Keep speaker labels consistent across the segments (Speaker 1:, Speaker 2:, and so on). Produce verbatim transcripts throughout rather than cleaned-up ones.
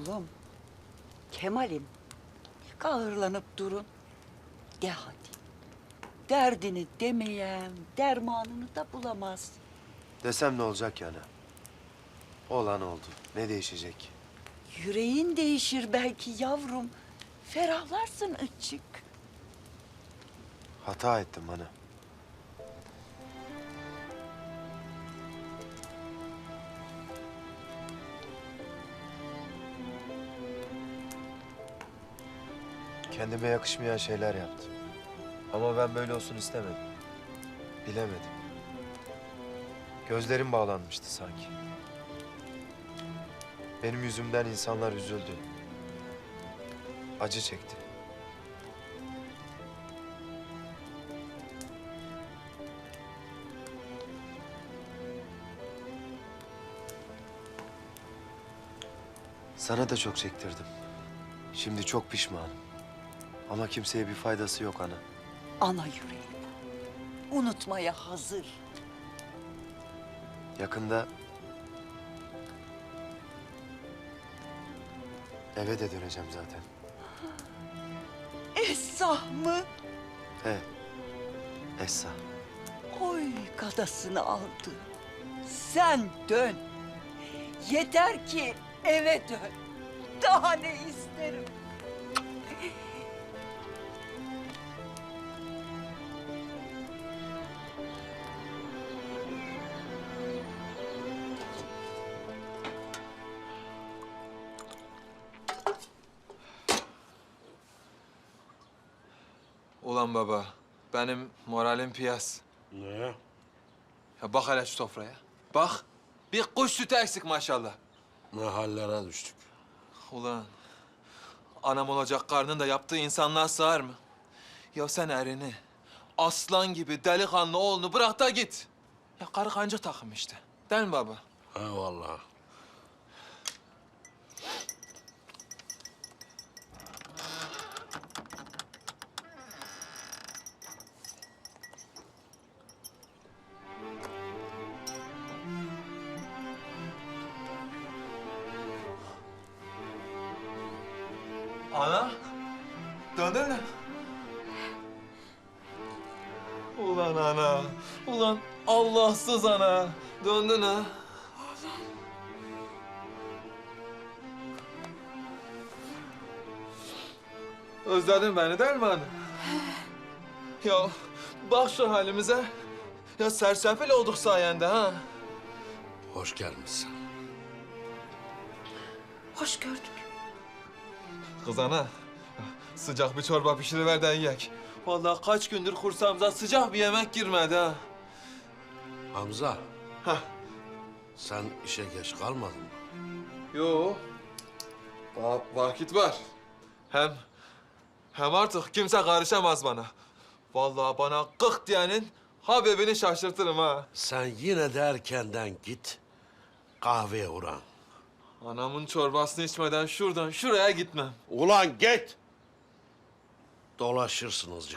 Speaker 1: Oğlum, Kemal'im, kahırlanıp durun. De hadi. Derdini demeyen dermanını da bulamaz.
Speaker 2: Desem ne olacak yani? Olan oldu. Ne değişecek?
Speaker 1: Yüreğin değişir belki yavrum. Ferahlarsın ıçık.
Speaker 2: Hata ettim ana. Kendime yakışmayan şeyler yaptım. Ama ben böyle olsun istemedim. Bilemedim. Gözlerim bağlanmıştı sanki. Benim yüzümden insanlar üzüldü. Acı çekti. Sana da çok çektirdim. Şimdi çok pişmanım. Ama kimseye bir faydası yok ana.
Speaker 1: Ana yüreği. Unutmaya hazır.
Speaker 2: Yakında eve de döneceğim zaten.
Speaker 1: Esah mı?
Speaker 2: He, Essa.
Speaker 1: Oy kadasını aldı. Sen dön. Yeter ki eve dön. Daha ne isterim?
Speaker 3: Ulan baba, benim moralim piyas.
Speaker 4: Ne?
Speaker 3: Ya bak hele şu sofraya. Bak, bir kuş sütü eksik maşallah.
Speaker 4: Ne hallere düştük.
Speaker 3: Ulan, anam olacak karnın da yaptığı insanlığa sığar mı? Ya sen erini, aslan gibi delikanlı oğlunu bırak da git. Ya karı kanca takım işte. Değil mi baba?
Speaker 4: Eyvallah.
Speaker 3: Ana, döndün mü? Ulan ana, ulan Allahsız ana. Döndün ha. Özledin beni değil mi ana? Ya bak şu halimize. Ya sersefil olduk sayende ha.
Speaker 4: Hoş gelmişsin.
Speaker 5: Hoş gördük.
Speaker 3: Kız ana, sıcak bir çorba pişiriver de yiyek. Vallahi kaç gündür kursağımıza sıcak bir yemek girmedi ha.
Speaker 4: Hamza,
Speaker 3: Hah.
Speaker 4: sen işe geç kalmadın mı?
Speaker 3: Yo. Daha vakit var. Hem hem artık kimse karışamaz bana. Vallahi bana kık diyenin Habibini şaşırtırım ha.
Speaker 4: Sen yine de erkenden git, kahveye uğran.
Speaker 3: Anamın çorbasını içmeden şuradan şuraya gitmem.
Speaker 4: Ulan git! Dolaşırsın azıcık.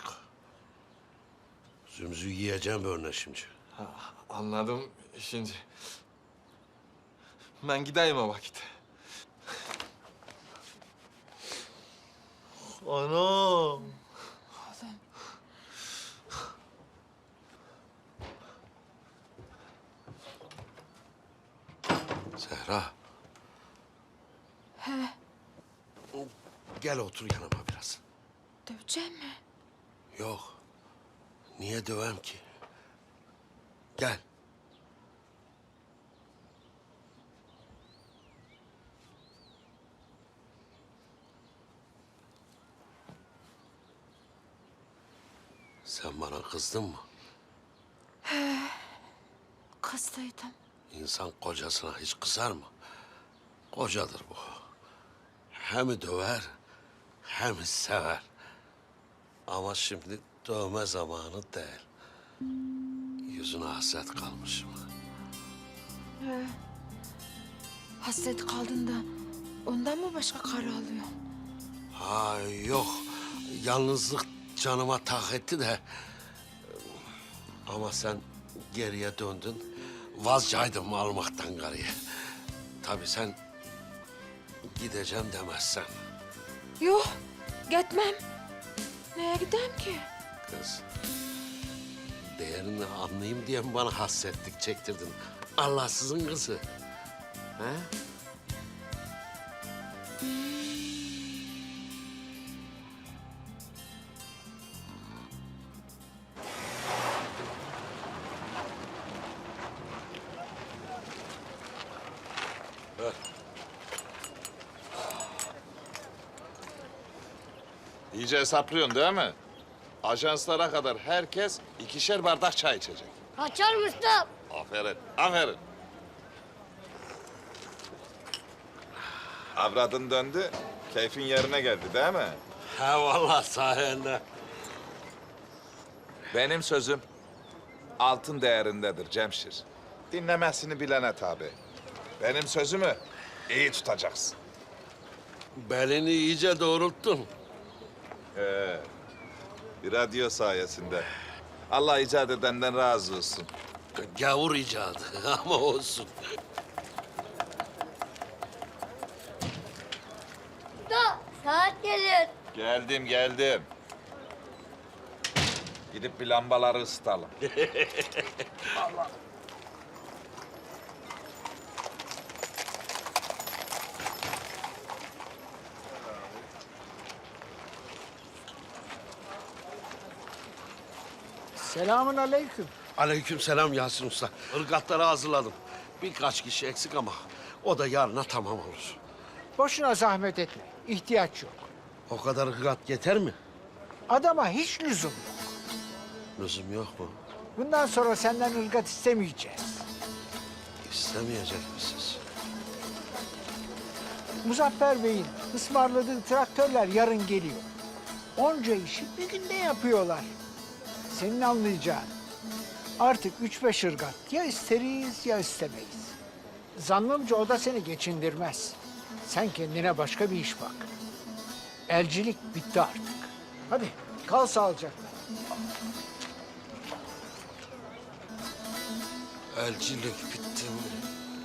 Speaker 4: Zümzü yiyeceğim böyle şimdi.
Speaker 3: Ha, anladım şimdi. Ben gideyim o vakit. Anam.
Speaker 4: Zehra.
Speaker 5: He,
Speaker 4: Gel otur yanıma biraz.
Speaker 5: dövecek mi?
Speaker 4: Yok. Niye dövem ki? Gel. Sen bana kızdın mı?
Speaker 5: Kızdıydım.
Speaker 4: İnsan kocasına hiç kızar mı? Kocadır bu. Hem döver, hem sever. Ama şimdi dövme zamanı değil. Yüzüne hasret kalmışım.
Speaker 5: He. Hasret kaldın da ondan mı başka karı alıyorsun?
Speaker 4: Ha yok, yalnızlık canıma tak etti de... Ama sen geriye döndün, vazcaydım almaktan karıyı. Tabii sen gideceğim demezsen.
Speaker 5: Yok, gitmem. Neye gideyim ki?
Speaker 4: Kız, değerini anlayayım diye mi bana hasretlik çektirdin? Allahsızın kızı. He?
Speaker 6: İyice hesaplıyorsun değil mi? Ajanslara kadar herkes ikişer bardak çay içecek.
Speaker 7: Kaçar Mustafa.
Speaker 6: Aferin, aferin. Avradın döndü, keyfin yerine geldi değil mi?
Speaker 4: Ha vallahi sayende.
Speaker 6: Benim sözüm altın değerindedir Cemşir. Dinlemesini bilene tabi. Benim sözümü iyi tutacaksın.
Speaker 4: Belini iyice doğrulttun.
Speaker 6: Ee, bir radyo sayesinde. Allah icat edenden razı olsun.
Speaker 4: Gavur icadı ama olsun.
Speaker 7: Mustafa saat gelir.
Speaker 6: Geldim, geldim. Gidip bir lambaları ısıtalım.
Speaker 8: Selamun aleyküm.
Speaker 4: Aleykümselam Yasin Usta. Irgatları hazırladım. Birkaç kişi eksik ama o da yarına tamam olur.
Speaker 8: Boşuna zahmet etme. İhtiyaç yok.
Speaker 4: O kadar ırgat yeter mi?
Speaker 8: Adama hiç lüzum yok.
Speaker 4: Lüzum yok mu?
Speaker 8: Bundan sonra senden ırgat istemeyeceğiz.
Speaker 4: İstemeyecek misiniz?
Speaker 8: Muzaffer Bey'in ısmarladığı traktörler yarın geliyor. Onca işi bir günde yapıyorlar. Senin anlayacağın. Artık üç beş ırgat ya isteriz ya istemeyiz. Zannımca o da seni geçindirmez. Sen kendine başka bir iş bak. Elcilik bitti artık. Hadi kal sağlıcakla.
Speaker 4: Elçilik bitti mi?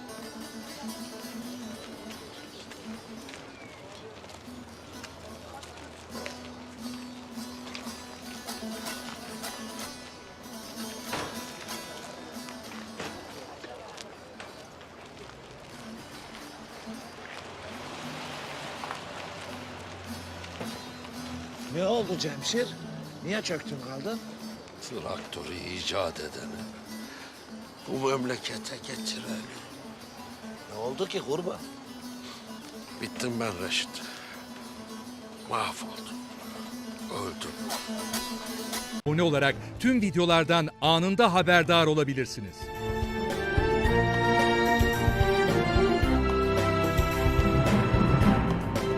Speaker 9: Ne oldu Cemşir? Niye çöktün kaldın?
Speaker 4: Traktörü icat edeni, bu memlekete getireni.
Speaker 9: Ne oldu ki kurban?
Speaker 4: Bittim ben Reşit. Mahvoldum. Öldüm.
Speaker 10: Abone olarak tüm videolardan anında haberdar olabilirsiniz.